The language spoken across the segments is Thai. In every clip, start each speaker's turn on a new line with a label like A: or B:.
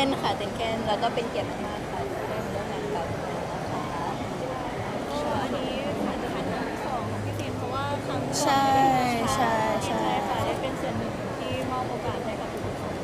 A: นค่ะตื่นเต้นแล้วก็เป็นเกียรติมากๆค่ะที่ได้มาร่วมงานกับนะคะ
B: อันนี้อาจจะเป็นครั้งที่สองของพี่ฟิล์มเพราะว่าครั้งก่อน
A: ใช่ใช่ใช่
B: ค่ะได้เป็นส่วนหนึ่งที่มอบโอกาสให้กับทุกคน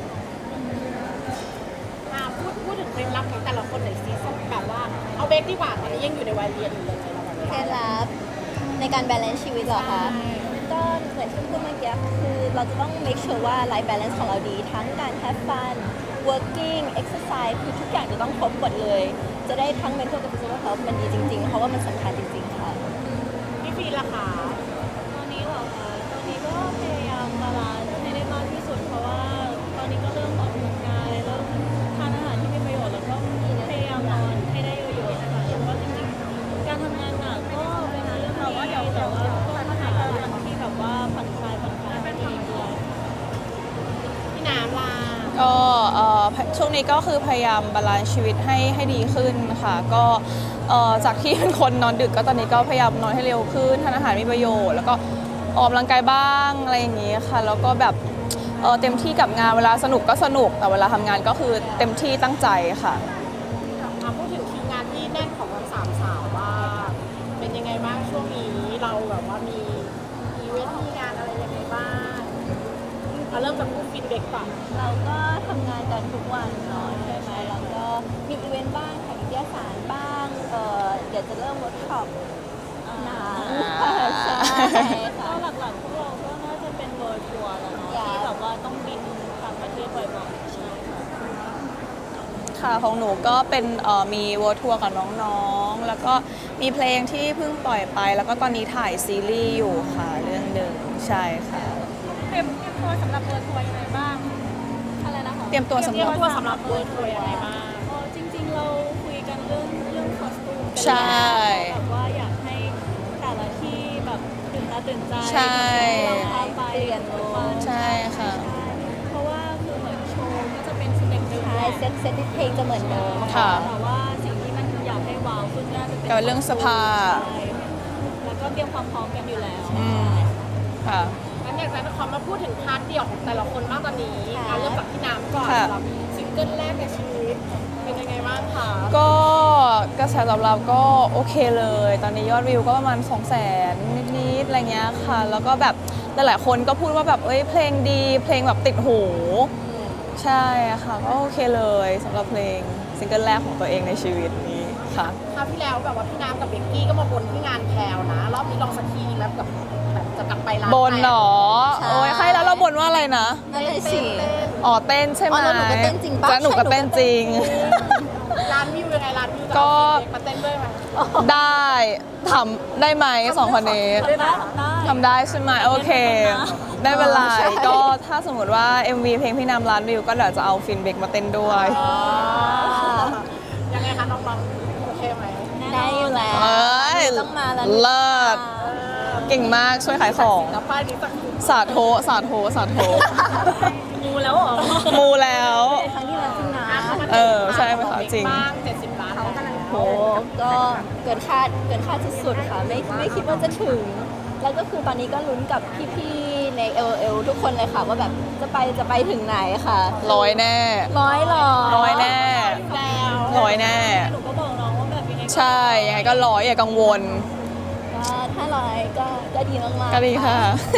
C: พูดถึงเคล็ดลับของแต่ละคนหน่อยสิแบบว่าเอาเบคดีกว่าตอนนี้ยังอยู่ในวัยเรียนอยู่เลยเราแบบ
A: เคล็ดลับในการ balance ชีวิตเหรอคะก็เหมือนที่พูดเมื่อกี้คือเราจะต้อง make sure ว่า life balance ของเราดีทั้งการ have fun working exercise คือทุกอย่างจะต้องครบหมดเลย จะได้ทั้ง mental กับ physical health มันดีจริงๆ เพราะว่ามันสำคัญจริงๆ ค่ะ
C: พี่ฟีล่ะคะ
B: ตอนนี้เหรอคะตอนนี้ก็พยายามบาลานซ์ให้ได้มากที่สุดเพราะว่าตอนนี้ก็เริ่มออกกำลังกายเริ่มทานอาหารที่มีประโยชน์แล้วก็พยายามนอนให้ได้เยอะๆนะคะเพราะว่าจริงๆการทำงานหนักก็เป็นเรื่องที่แต่ว่าต้องหาวันที่แบบว่าผ่อนคลายให้ตัวเองด้วย
C: พี่น้ำล่ะ
D: ก็ช่วงนี้ก็คือพยายามบาลานซ์ชีวิตให้ดีขึ้นค่ะก็จากที่เป็นคนนอนดึกก็ตอนนี้ก็พยายามนอนให้เร็วขึ้นทานอาหารมีประโยชน์แล้วก็ออกกำลังกายบ้างอะไรอย่างนี้ค่ะแล้วก็แบบเต็มที่กับงานเวลาสนุกก็สนุกแต่เวลาทำงานก็คือเต็มที่ตั้งใจค่ะ
C: พูดถึงคิวงานที่แน่นของทั้งสามสาวว่าเป็นยังไงบ้างช่วงนี้เราแบบว่ามีอีเวนต์มีงานอะไรยังไงบ้างเอาเริ่มจากผู้ฟีดแบ็กก่อน
A: เราก็ทำงานกันทุกวันเนาะใช่ไหมแล้วก็มีอีเวนต์บ้างถ่ายนิตยสารบ้างเดี๋ยวจะเริ่มเวิร์กช็อปหนังใช่ค่ะ
B: ก็หลักๆพวกเราก็น่าจะเป็นเวิร์ทัวร์แล้วเนาะที่แบบว่าต้องบินต่างประเทศบ่อยๆใช่ค่ะ
D: ค่ะของหนูก็เป็นมีเวิร์ทัวร์กับน้องๆแล้วก็มีเพลงที่เพิ่งปล่อยไป แล้วก็ตอนนี้ถ่ายซีรีส์อยู่ค่ะเรื่องหนึ่งใช่ค่ะ
B: เตรียมตัวสำหรับเวิร์ทัวร์ยังไงบ้างอะไรนะคะ
D: เตรียมตัวสำหรับ
C: สำหรับเวิร์ทัวร์ยังไงบ้าง
B: จริงๆเราคุยกันเรื่องคอสตูมกัน
D: ใช่
B: แบบว่าอยากให้แต่ละที่แบบตื่นตาตื่นใจ
D: ใช่
B: เราพาไป
A: เปลี่ยนลุค
D: ใช่ค่ะ
B: เพราะว่าคือเหมือนโชว์ก็จะเป็นสเต็ปเดิม
A: ใช่เซตเพลงจะเหมือนเดิม
D: ค่ะ
B: แต่ว่าสิ่งที่มันอยากให้ว้าวขึ้นน่าจะเป็น
D: กับเรื่องเสื้อผ้า
B: ใช่แล้วก็เตรียมความพร้อมกันอยู่แล้ว
D: อืมค่ะ
C: งั้นอยากจะขอมาพูดถึงพาร์ทเดี่ยวของแต่ละคนบ้างตอนนี้งานเริ่มจากพี่น้ำก่อน
D: ค่ะ
C: สำหรับซิงเกิลแรกในชีวิตเป็นยังไงบ้างคะ
D: ก็กระแสตอบรับก็โอเคเลย ตอนนี้ยอดวิวก็ประมาณ 200,000 นิดๆอะไรเงี้ยค่ะ แล้วก็แบบหลายๆคนก็พูดว่าแบบเอ้ยเพลงดีเพลงแบบติดหูใช่ค่ะก็โอเคเลยสำหรับเพลงซิงเกิลแรกของตัวเองในชีวิตนี้ค่ะ
C: คราวที่แล้วแบบว่าพี่น้ำกับเบกกี้ก็มาบนที่งานแพลวนะ รอบนี้ลองสักทีแล้วกับแบบจะกลับไปร้าน
D: บนเหรอ
A: ใช่
D: โอ้ยใครแล้วเราบนว่าอะไรนะ
A: นั่นเลยสิ
D: อ๋อเต้นใช่ไหม
A: อ๋อแล้วหนูก็เต้นจริงปะ
D: จะหนูก็เต้นจริง
C: ร้านวิวยังไงร้านวิวจะ
D: ก็
C: เอาเด็กมาเต้นด้วยไหม
D: ได้ทำได้ไหมสองคนนี้ ทำได้ใช่ไหมโอเค ได้เวลาก็ถ้าสมมติว่า MV เพลงพี่นำล้านวิวก็เดี๋ยวจะเอาฟินเบกมาเต้นด้วย
C: ยังไงคะน้องๆโอเคไหม
A: ได้อยู่แล้ว
D: เอ้ย
A: ต้องมาแล้ว
D: เลิศเก่งมากช่วยขายของ
C: กับป้ายนี้สักที
D: สาโทสาโทสาโท
B: มูแล้วเหรอ
D: มูแล้ว
A: ครั้งที่แล้วจริงนะ
D: ใช่ไหมคะจริง
C: บ้าง70 ล้านเขากำลัง
A: โหก็เกินคาดสุดๆค่ะไม่คิดว่าจะถึง แล้วก็คือตอนนี้ก็ลุ้นกับพี่ๆใน LL ทุกคนเลยค่ะว่าแบบจะไปถึงไหนค่ะ
D: ร้อยแน่
A: ร้อยหรอ
D: ร้อยแน่
C: แล้ว
D: ร้อยแน่
B: หนูก็บอกน้องว่าแบบยังไง
D: ใช่ ยังไงก็ร้อยอย่ากังวล
A: ก็ถ้าร้อยก็ดีมากๆ
D: ก็ดีค่ะ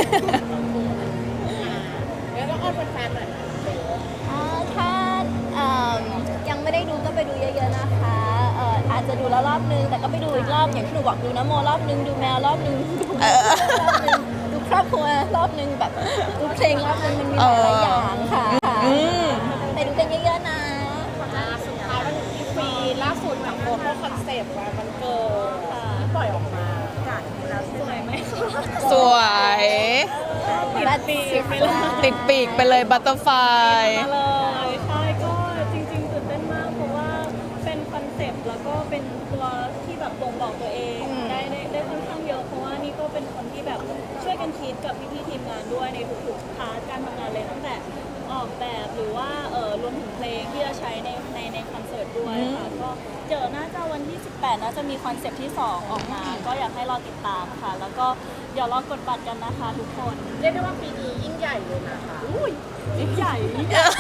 C: แล้วก็อ้อนแฟนๆหน่อย
A: ถ้ายังไม่ได้ดูก็ไปดูเยอะๆนะคะอาจจะดูแล้วรอบนึงแต่ก็ไปดูอีกรอบอย่างที่หนูบอกดูนะโมรอบนึงดูแมวรอบนึงรอบนึงดูครอบครัวรอบนึงแบบดูเพลงรอบนึงมันมีหลายๆอย่างค่ะ
D: อืม
A: ไปดูกันเยอะๆนะ
C: สุดท้ายวันถึงที่ฟรีล่าสุดกับโฟโต้คอนเซปต์วันเกิดที่ปล่อยออกมาจัดแล้วสวยไหม
D: สวย
A: บัตรปีก
D: ติดปีกไปเลยบัตเตอร์ไฟ
B: มาเลยใช่ก็จริงๆตื่นเต้นมากเพราะว่าเป็นคอนเซปต์แล้วก็เป็นตัวที่แบบบ่งบอกตัวเองได้ค่อนข้างเยอะเพราะว่านี่ก็เป็นคนที่แบบช่วยกันคิดกับพี่ๆทีมงานด้วยในทุกๆพาร์ทการทำงานเลยตั้งแต่ออกแบบหรือว่ารวมถึงเพลงที่จะใช้ในคอนเสิร์ตด้วยค่ะก็เจอน่าจะวันที่ 18น่าจะมีคอนเซปต์ที่ 2 ออกมา ก็อยากให้รอติดตามค่ะ แล้วก็เดี๋ยวรอกดบัตรกันนะคะทุกคน
C: เรียกได้ว่าปีนี้ยิ่งใหญ่เลยนะคะ
B: อุ้ยยิ่งใหญ่ตอนแรก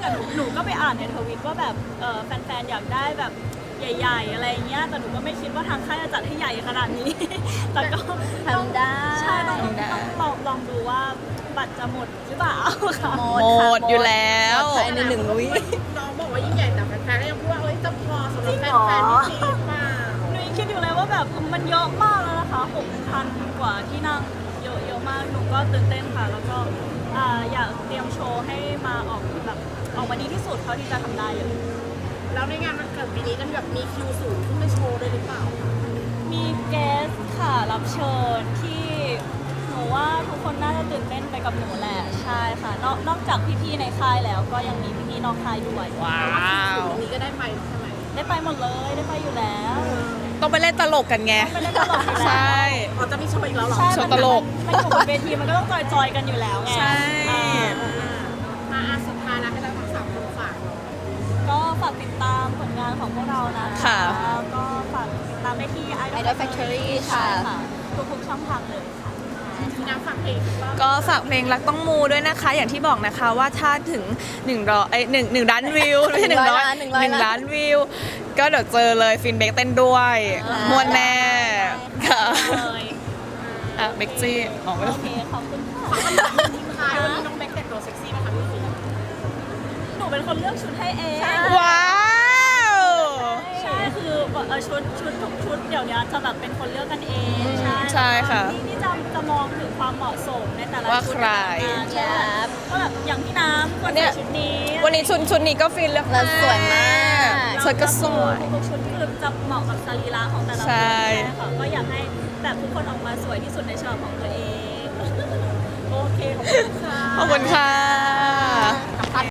B: อะหนูก็ไปอ่านในทวิตว่าแบบแฟนๆอยากได้แบบใหญ่ๆอะไรเงี้ยแต่หนูก็ไม่คิดว่าทางค่ายจะจัดให้ใหญ่ขนาดนี้ แต่ก็
A: ทำได้
B: ใช่ต้องลองดูว่าบัตรจะหมดหรือเปล่าค่ะ
A: หม
D: หม
A: ค่ะ
D: ดอยู่แล้ว
A: หมดภายใน1 วิ
C: น้องบอกว่ายิ่งใหญ่แต่แฟนๆก็ยังพูดว่าเอ้ยจะพอสำหรับแฟนๆที่จีนเปล่า
B: หนูยังคิดอยู่เลยว่าแบบมันเยอะมากแล้วนะคะ 6,000 กว่าที่นั่งเยอะมากหนูก็ตื่นเต้นค่ะ แล้วก็อยากเตรียมโชว์ให้มาออกมาดีที่สุดเท่าที่จะทำได้เลย
C: แล้วในงานวันเกิดปีนี้จะแบบมีคิวสูงขึ้นไปโชว์ด้วยหรือเปล่า
B: มีเกสค่ะรับเชิญที่หนูว่าทุกคนน่าจะตื่นเต้นไปกับหนูแหละใช่ค่ะนอกจากพี่ๆในค่ายแล้วก็ยังมีพี่ๆนอกค่ายด้วย
D: ว้า
C: คิว
D: ว
C: สูงนี้ก็ได้ไปใช่ไหม
B: ได้ไปหมดเลยได้ไปอยู่แล้ว
D: ต้องไปเล่นตลกกันไง
B: ไปเล่นตลกอยู่แล้ว
D: ใช่
C: อ๋อจะมีโชว์อีกแล้วเหรอ
B: ใช่
D: โชว์ตลก
B: มันอยู่บนเวทีมันก็ต้องจอยๆกันอยู่แล้วไง
D: ใช่
B: อ่า
C: มาสุดท้ายแล้วให้เราทั้งสามคนฝากหน่อย
B: ก็ฝากติดตามผลงานของพวกเรานะคะ
D: ค่ะ
B: ก็ฝากติดตามได้ที่
A: Idol Factory ค่ะ
B: ใช่ค่ะทุกๆช่องทางเลยค่ะ
C: มีน้ำฝากเพลงบ้าง
D: ก็ฝากเพลงรักต้องมูด้วยนะคะ อย่างที่บอกนะคะว่าถ้าถึง100ล้านวิวไม่ใช่100 1 ล้านวิว ก็เดี๋ยวเจอเลยฟินเบกเต้นด้วยมวนแน่ค่ะ
B: เลย
D: อ่ะเบกจี้อ๋อไม่
B: โอ
D: ต้อง
B: เคขอบคุณค่ะ
C: ทิ้งท้ายวันนี้น้องเบคแต่งตัวเซ็กซี่นะคะพี่ฟิล์ม
B: หนูเป็นคนเลือกชุดให้เอง
D: ว้าว
B: ใช่คือชุดทุกชุดเดี๋ยวนี้จะแบบเป็นคนเลือกกันเองใช่
D: ใช่ค่ะ
B: นี่จะมองถึงความเหมาะสมในแต่ละ
D: ว่า
B: ชุด
D: ใคร
B: ใช่ก็แบบอย่างพี่น้ำคน
D: เนี่
B: ใส่
D: ย
B: ชุดนี้
D: วันนี้ชุดนี้ก็ฟินแล้ว
A: แล้วสวยมาก
D: ชุดก็สวย
B: ทุกชุดคือจะเหมาะกับสรีระของแต่ละคน
D: ใช่
B: ค่ะก็อยากให้แบบทุกคนออกมาสวยที่สุดในฉบับของตัวเอง โอเคขอบคุณค่ะ
D: ขอบคุณค่ะ